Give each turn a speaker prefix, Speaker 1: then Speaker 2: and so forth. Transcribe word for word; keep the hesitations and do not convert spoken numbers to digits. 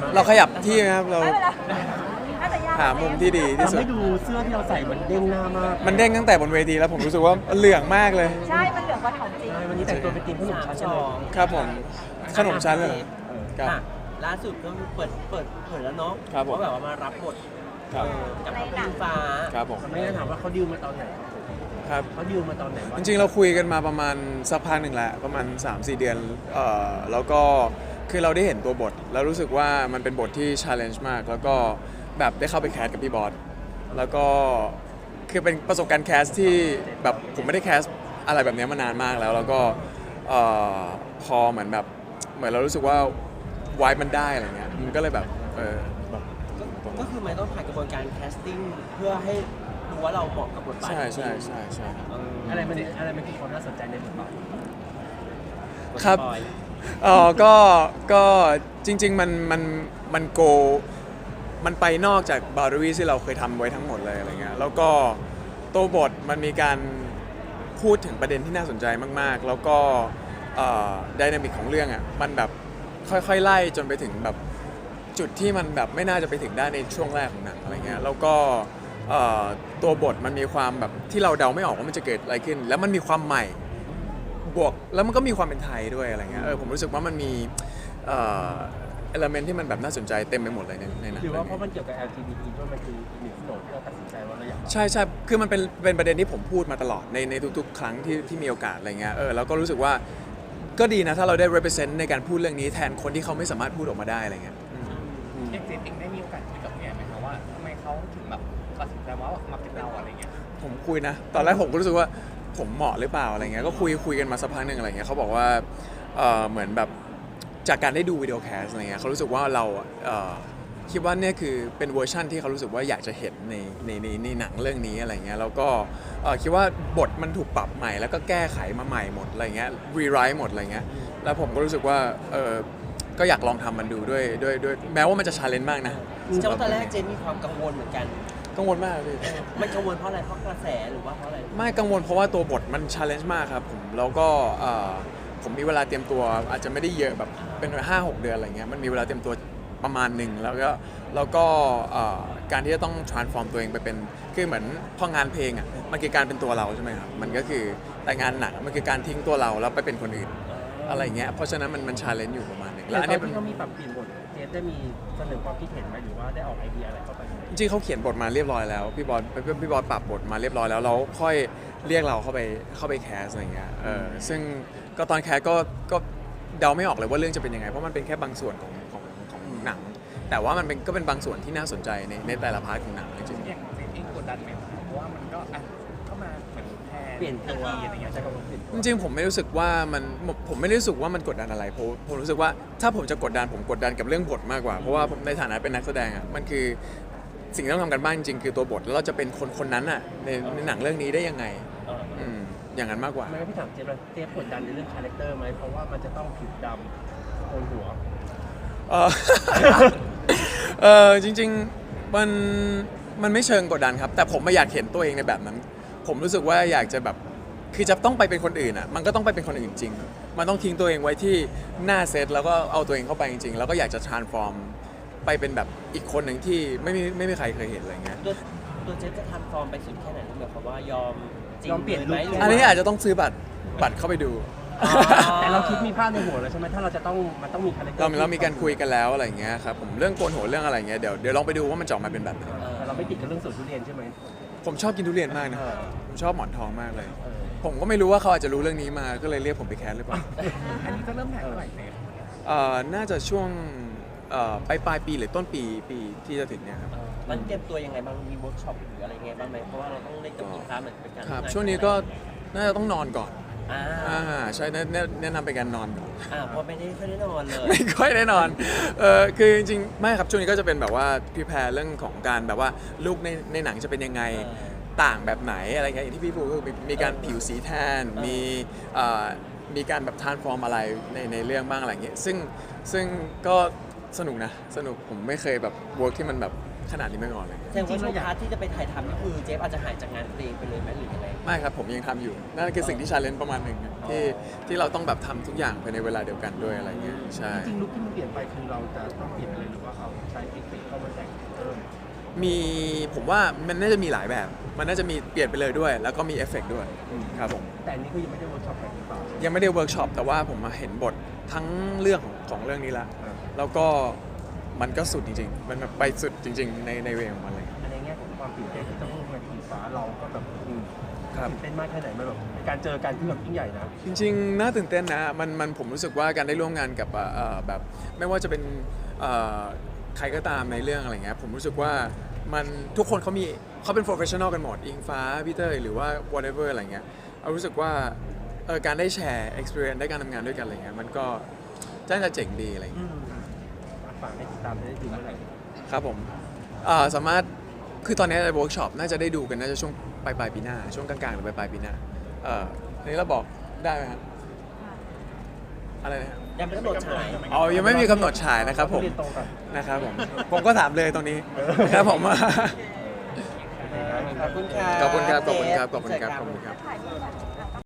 Speaker 1: เราขยับที่นะครับเรา
Speaker 2: ไม่เป็นไรน่าจะยาก
Speaker 1: หามุมที่ดีที่สุด
Speaker 3: ทำให้ดูเสื้อที่เราใส่มันเด้งหน้ามาก
Speaker 1: มันเด้งตั้งแต่บนเวทีแล้วผมรู้สึกว่าเหลืองมากเลย
Speaker 2: ใช่มันเหลืองกว่าของจริง
Speaker 3: ใช่วันนี้แต่งตัวเป็นทีมขนมชั้น
Speaker 4: ส
Speaker 3: เล
Speaker 4: อย ง
Speaker 1: ครับผมขนมชั้นเลยครับ
Speaker 4: อ่ะล่าสุดก็เปิดเปิดเผยแล้วเนาะ
Speaker 1: ครับผม
Speaker 4: ว่าแบบว่ามารับบท
Speaker 1: ครับ
Speaker 4: เออกับพระพิมฟ้า
Speaker 1: ครับผม
Speaker 3: ไม่ได้ถามว่าเขาดิวมาตอนไหน
Speaker 1: ครับ
Speaker 3: เขาดิวมาตอนไหนวะ
Speaker 1: จริงๆเราคุยกันมาประมาณสักพักหนึ่งแหละประมาณ สามสี่ เดือนเอ่อแล้วก็คือเราได้เห็นตัวบท แล้วรู้สึกว่ามันเป็นบทที่ challenge มาก แล้วก็แบบได้เข้าไปแคสกับพี่บอสแล้วก็คือเป็นประสบการณ์แคสที่แบบผมไม่ได้แคสอะไรแบบนี้มานานมากแล้ว แล้วก็เอ่อพอเหมือนแบบเหมือนเรารู้สึกว่าวายมันได้อะไรเงี้ยมันก็เลยแบบเออแบบ
Speaker 4: ก็คือมันต้องผ่านกระบวนการแคสติ้งเพื่อให้ดูว่าเราเหมาะกับบทบาท
Speaker 1: ใช่ใช่ใช่ใช่
Speaker 4: เออ
Speaker 3: อะไรมันอะไรมันคือความน่าสนใจในบทบาท
Speaker 1: ครับ
Speaker 4: สปอย
Speaker 1: เออก็ก็จริง ๆ มันมันมันโกมันไปนอกจากบาร์วีที่เราเคยทำไว้ทั้งหมดเลยอะไรเงี้ยแล้วก็ตัวบทมันมีการพูดถึงประเด็นที่น่าสนใจมากๆ แล้วก็ไดนามิกของเรื่องอ่ะมันแบบค่อยๆไล่จนไปถึงแบบจุดที่มันแบบไม่น่าจะไปถึงได้ในช่วงแรกของหนังอะไรเงี้ยแล้วก็เอ่อตัวบทมันมีความแบบที่เราเดาไม่ออกว่ามันจะเกิดอะไรขึ้น แล้วมันมีความใหม่ บวกแล้วมันก็มีความเป็นไทยด้วยอะไรเงี้ยเออผมรู้สึกว่ามันมีเอ่อเอลเมนที่มันแบบน่าสนใจเต็มไปหมดเลยในในหนัง
Speaker 3: หรือว่าเพ
Speaker 1: เรื่
Speaker 3: ราะ
Speaker 1: อง
Speaker 3: มัน
Speaker 1: นี้
Speaker 3: เกี่ยวกับ แอล จี บี ที ด้วยมันคืออีกหนึ่งโจทย์ที่เราตัดสินใจว่าเราอยาก
Speaker 1: ใช่ใช่คือมันเป็นเป็นประเด็นที่ผมพูดมาตลอดในในทุกๆ ครั้งที่ที่มีโอกาสอะไรเงี้ยเออแล้วก็รู้สึกว่าก็ดีนะถ้าเราได้ represent ในการพูดเรื่องนี้แทนคนที่เขาไม่สามารถพูดออกมาได้อะไรเงี้ยอืม
Speaker 5: เอ็กเจนเองได้มีโอกาสคุยกับพี่แอนไหมคะว่าทำไมเขาถึงแบบตัดสินใจว่ามาเป็นเราอะไรเงี้ย
Speaker 1: ผมคุยนะ ตอนแรกผมก็รู้สึกว่าผมเหมาะหรือเปล่าอะไรเงี้ยก็คุยคุยกันมาสักพักหนึ่งอะไรเงี้ยเขาบอกว่าเออเหมือนแบบจากการได้ดูวิดีโอแคสอะไรเงี้ยเขารู้สึกว่าเราเอ่อคิดว่าเนี่ยคือเป็นเวอร์ชั่นที่เขารู้สึกว่าอยากจะเห็นในในในในหนังเรื่องนี้อะไรเงี้ยแล้วก็เอ่อคิดว่าบทมันถูกปรับใหม่แล้วก็แก้ไขมาใหม่หมดอะไรเงี้ยรีไรต์หมดอะไรเงี้ยแล้วผมก็รู้สึกว่าเออก็อยากลองทำมันดูด้วยด้วยด้วยแม้ว่ามันจะชาเลนจ์มากนะ
Speaker 4: เจ้าตอนแรกเจนมีความกังวลเหมือนกัน
Speaker 1: กังวลมากเลย
Speaker 4: มันกังวลเพราะอะไรเพราะกระแสหรือว่าเพราะอะไร
Speaker 1: ไม่กังวลเพราะว่าตัวบทมันชาเลนจ์มากครับผมแล้วก็เอ่อผมมีเวลาเตรียมตัวอาจจะไม่ได้เยอะแบบเป็นห้าหกเดือนอะไรเงี้ยมันมีเวลาเตรียมตัวประมาณหนึ่งแล้วก็แล้วก็เอ่อการที่จะต้อง transform ตัวเองไปเป็นคือเหมือนพองานเพลงอ่ะมันคือการเป็นตัวเราใช่ไหมครับมันก็คือแต่งานหนักมันคือการทิ้งตัวเราแล้วไปเป็นคนอื่นอะไรเงี้ยเพราะฉะนั้นมันมันชาเลนจ์อยู่ประมาณหนึง
Speaker 3: แล้
Speaker 1: แล้ว ว
Speaker 3: อั
Speaker 1: อั
Speaker 3: น
Speaker 1: น
Speaker 3: นี้
Speaker 1: นี้เป็น
Speaker 3: เขามีปรับเปลี่ยนบทเจฟได้มีเสนอความคิดเห็นไหมหรือว่าได้ออกไอเดียอะไรเข้าไปไหม
Speaker 1: จริงๆเขาเขียนบทมาเรียบร้อยแล้วพี่บอลพี่พี่บอลปรับบทมาเรียบร้อยแล้วเราค่อยเรียกเราเข้าไปเข้าไปแคสอะไรเงี้ยเออซึ่งก็ตอนแคสก็ก็เดาไม่ออกเลยว่าเรื่องจะเป็นยังไงเพราะมันเป็นแค่บางส่วนของของของหนัง แต่ว่ามันเป็นก็เป็นบางส่วนที่น่าสนใจในในแต่ละพาร์ทของหนังจริง
Speaker 5: อย่างเจนเองกดดันไหมเพราะว่ามันก็อ่ะเข้ามาเหมือนแทน
Speaker 3: เปลี่ยนตัว
Speaker 5: อะไรเงี้ยจะกำลังเปลี่ยน
Speaker 1: ๆจริงๆผมไม่รู้สึกว่ามันผมไม่ได้รู้สึกว่ามันกดดันอะไรผมผมรู้สึกว่าถ้าผมจะกดดันผมกดดันกับเรื่องบทมากกว่าเพราะว่าผมในฐานะเป็นนักแสดงอ่ะมันคือสิ่งที่ต้องทำกันบ้างจริงๆคือตัวบทแล้วเราจะเป็นคนคนนั้นอ่ะในในหนังเรื่องนี้ได้ยังไงอืมอย่างนั้นมากกว่า
Speaker 3: ไม่งั้นพี่ถามเจฟเลยเจฟกดดันในเรื่องคาแรคเตอร์ไหมเพราะว่ามันจะต้องผิวดำโกนหัว
Speaker 1: เออ เออจริงๆมันมันไม่เชิงกดดันครับ แต่ผมไม่อยากเห็นตัวเองในแบบนั้น ผมรู้สึกว่าอยากจะแบบคือจะต้องไปเป็นคนอื่นอ่ะมันก็ต้องไปเป็นคนอื่นจริง มันต้องทิ้งตัวเองไว้ที่หน้าเซตแล้วก็เอาตัวเองเข้าไปจริงๆแล้วก็อยากจะ transform ไปเป็นแบบอีกคนหนึ่งที่ไม่มีไม่มีใครเคยเห็นอะไรเงี้ย
Speaker 4: ตัวตัวเจนจะทำฟอร์มไปสุดแค่ไหนหมายความว่ายอมจริง
Speaker 3: ยอมเปลี่ยน
Speaker 4: ไหม
Speaker 3: ลุค
Speaker 1: อันนี้อาจจะต้องซื้อบัตรบัตรเข้าไปดู
Speaker 4: อ๋อ
Speaker 3: แต่เราคิดมีภาพในหัวแล้วใช่ไหมถ้าเราจะต้องมันต้องมีคาแรคเตอ
Speaker 1: เรา
Speaker 3: ร์
Speaker 1: เรามีการคุยกันแล้วอะไรเงี้ยครับผมเรื่องโกนหัวเรื่องอะไรเงี้ยเดี๋ยวเดี๋ยวลองไปดูว่ามันจะออกมาเป็นแบบไหน
Speaker 4: เออ
Speaker 3: แต่เราไม่ติดกับเรื่องสวนทุเรียนใช่ไหม
Speaker 1: ผมชอบกินทุเรียนมากนะ
Speaker 3: เออ
Speaker 1: ผมชอบหมอนทองมากเลย
Speaker 3: เออ
Speaker 1: ผมก็ไม่รู้ว่าเขาอาจจะรู้เรื่องนี้มาก็เลยเรียกผมไปแคสหรือเปล่า
Speaker 5: อันนี้จะเริ่มถ่ายเมื่อไหร่เจน
Speaker 1: เอ่อน่าจะช่วงเอ่อปลายปลายปีหรือต้นปีปีที่จะถึงเนี่ยครับ
Speaker 4: เออมันเตรียมตัวยังไงบ้างมีเวิร์กช็อปหรืออะไรเงี้ยบ้างไหมเพราะว่าเราต้องเล่นกับอีกค้าเหมือนเป็นการ
Speaker 1: ครับ
Speaker 4: ทำงา
Speaker 1: ช่วงนี้ก็น่าจะต้องนอนก่อน
Speaker 4: อ่า
Speaker 1: อ่าใช่แนะแนะแนะนำเป็นการนอนก่อน
Speaker 4: อ่าเพราะไม่ได้ค่อยได้นอนเลย
Speaker 1: ไม่ค่อยได้นอนเออคือจริงๆไม่ครับช่วงนี้ก็จะเป็นแบบว่าพิแพร์เรื่องของการแบบว่าลูกในในหนังจะเป็นยังไง
Speaker 4: เออ
Speaker 1: ต่างแบบไหนอะไรเงี้ยอย่างที่พี่พูดก็คือมีมีการผิวสีแทน
Speaker 4: เออ
Speaker 1: มีเอ่อมีการแบบทานฟอร์มอะไรในในเรื่องบ้างอะไรเงี้ยซึ่งซึ่งก็สนุกนะสนุกผมไม่เคยแบบเวิร์กที่มันแบบขนาดนี้มาก่อนเลย
Speaker 4: แสดงว่าช่วงพาร์ทที่จะไปถ่ายทำนี่คือเจฟอาจจะหายจากงานเพลงไปเลยไหมหรือยังไง
Speaker 1: ไม่ครับผมยังทำอยู่นั่นคือสิ่งที่ชาเลนจ์ประมาณหนึ่งที่ที่เราต้องแบบทำทุกอย่างภายในเวลาเดียวกันด้วยอะไรเงี้ยใช่
Speaker 3: จริงๆลุคที่มันเปลี่ยนไปคือเราจะต้องเปลี่ยนเลยหรือว่าเอาใช้เอฟเฟกต์เข้ามาแต่งเพิ่ม
Speaker 1: มีผมว่ามันน่าจะมีหลายแบบ มันน่าจะมีเปลี่ยนไปเลยด้วย แล้วก็มีเอฟเฟกต์ด้วยครับผม
Speaker 3: แต่อันนี้คือยังไม่ได้เวิร์กช็อปอะไรหรือเปล่า
Speaker 1: ยังไม่ได้เวิร์กช็อปแต่ว่าผมมาเห็นบททั้งเรื่องของของเรื่องนี้ละ
Speaker 3: อ่า
Speaker 1: แล้วก็มันก็สุดจริงๆ มันแบบไปสุดจริง ๆ ในในเวของมันเลย
Speaker 3: อันในแง่ของความตื่นเต้นที่จะร่วมงานทีฟ้าเราก็แบบอืม
Speaker 1: ครับ
Speaker 3: ตื่นเต้นมากแค่ไหนมันแบบการเจอกันที่แบบยิ่งใหญ่นะ
Speaker 1: จริงๆ น่าตื่นเต้นนะ มันมันผมรู้สึกว่าการได้ร่วมงานกับเอ่อแบบไม่ว่าจะเป็นเอ่อใครก็ตามในเรื่องอะไรเงี้ย ผมรู้สึกว่ามันทุกคนเขามีเขาเป็น professional กันหมด อิงฟ้าพี่เตอร์หรือว่า whatever อะไรเงี้ยเอารู้สึกว่าเออการได้แชร์ experience ได้การทำงานด้วยกันอะไรเงี้ย มันก็น่าจะเจ๋งดีอะไรเงี้ย
Speaker 3: อืมฝากให้ติดตามได้ดูเมื่อไหร่
Speaker 1: ครับผมเอ่อสามารถคือตอนนี้ในเวิร์กช็อปน่าจะได้ดูกันน่าจะช่วงปลายปลายๆปีหน้า ช่วงกลางๆหรือปลายปลายๆปีหน้าเอ่ออันนี้เราบอกได้ไหมครับอะไรนะครับ
Speaker 4: ยังไม่กำหนดฉาย
Speaker 1: อ๋อยังไม่มีกำหนดฉายนะครับผม
Speaker 3: เรียนตรงกัน
Speaker 1: นะครับผม ผมก็ถามเลยตรงนี้นะครับผม
Speaker 4: ขอบคุณครับ
Speaker 1: ขอบคุณครับขอบคุณครับขอบคุณครับ
Speaker 4: เจ
Speaker 1: ขอบ
Speaker 4: กั
Speaker 1: คุณครับ
Speaker 2: ถ่ายรูป